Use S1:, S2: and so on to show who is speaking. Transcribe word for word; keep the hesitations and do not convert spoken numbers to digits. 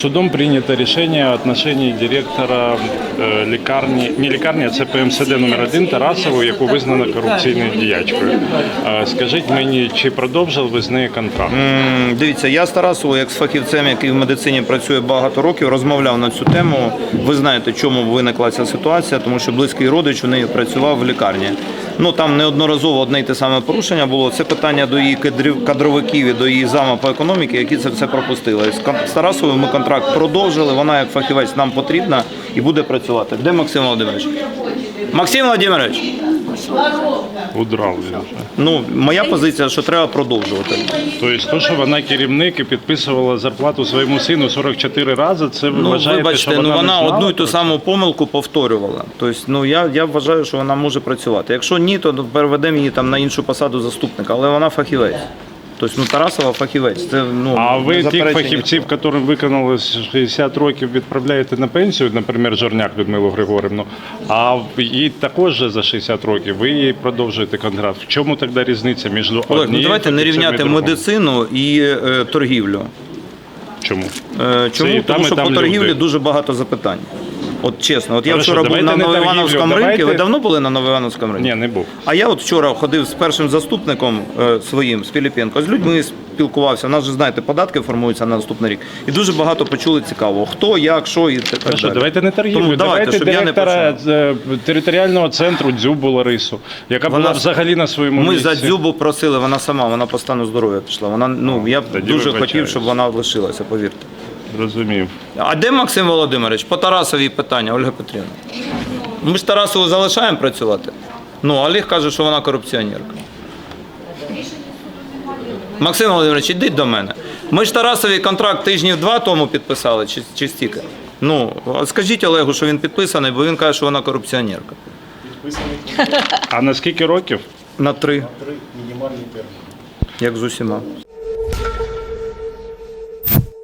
S1: Судом принято решение о отношении директора е, лікарні, не лікарні, а це Пе Ем Се Де номер один Тарасову, яку визнано корупційною діячкою. Е, Скажіть мені, чи продовжили ви з нею контракт?
S2: М, Дивіться, я з Тарасовою, як з фахівцем, який в медицині працює багато років, розмовляв на цю тему. Ви знаєте, чому виникла ця ситуація, тому що близький родич у неї працював в лікарні. Ну, там неодноразово одне й те саме порушення було. Це питання до її кадрів- кадровиків і до її зама по економіці, які це все пропустили. З кон- З Тарасовою ми контракт продовжили, вона як фахівець нам потрібна і буде працювати. Де Максим Володимирович? Максим Володимирович!
S1: Удрав він вже.
S2: Ну, моя позиція, що треба продовжувати.
S1: Тобто, то, що вона керівник і підписувала зарплату своєму сину сорок чотири рази, це ви
S2: Ну,
S1: вважаєте,
S2: вибачте,
S1: що
S2: ну
S1: вона,
S2: вона
S1: не знала
S2: одну і ту
S1: про це?
S2: саму помилку повторювала. Тобто, ну я, я вважаю, що вона може працювати. Якщо ні, то переведемо її там на іншу посаду заступника, але вона фахівець. Тобто, ну Тарасова фахівець. Це ну
S1: А ви
S2: не
S1: тих
S2: заперечення.
S1: фахівців, яким виконали шістдесят років, відправляєте на пенсію, наприклад, Жорняк Людмилу Григорівну, а їй також же за шістдесят років, ви їй продовжуєте контракт. В чому тоді різниця між
S2: Олег, ну
S1: однією
S2: давайте не
S1: фахівцем і
S2: рівняти
S1: другою?
S2: медицину і е, торгівлю.
S1: Чому?
S2: Е,
S1: Це
S2: чому?
S1: і там,
S2: Тому
S1: і
S2: що
S1: там
S2: по торгівлі
S1: люди.
S2: дуже багато запитань. От чесно, от я
S1: Хорошо,
S2: вчора був
S1: давайте
S2: на
S1: не
S2: Новоівановському
S1: торгівлю,
S2: ринку. Ви
S1: давайте-
S2: давно були на Новоівановському ринку?
S1: Ні, не був.
S2: А я от вчора ходив з першим заступником е, своїм, з Піліпенко, з людьми спілкувався. У нас же, знаєте, податки формуються на наступний рік. І дуже багато почули цікаво. Хто, як, що і так
S1: Хорошо,
S2: далі.
S1: давайте не торгівлю,
S2: Тому давайте,
S1: давайте
S2: щоб я не
S1: директора
S2: почав.
S1: е, територіального центру Дзюбу Ларису, яка
S2: Вона-
S1: була взагалі на своєму
S2: Ми
S1: місці.
S2: за Дзюбу просили, вона сама, вона по стану здоров'я пішла. Вона, ну, я б
S1: тоді
S2: дуже
S1: вибачаюсь.
S2: хотів, щоб вона лишилася, повірте.
S1: Розумів.
S2: А де Максим Володимирович? По Тарасовій питання, Ольга Петрівна. Ми ж Тарасову залишаємо працювати. Ну, а Олег каже, що вона корупціонерка. Максим Володимирович, ідіть до мене. Ми ж Тарасові контракт тижнів два тому підписали, чи, чи стільки? Ну, а скажіть Олегу, що він підписаний, бо він каже, що вона корупціонерка.
S1: А на скільки років?
S2: На три. Як з усіма.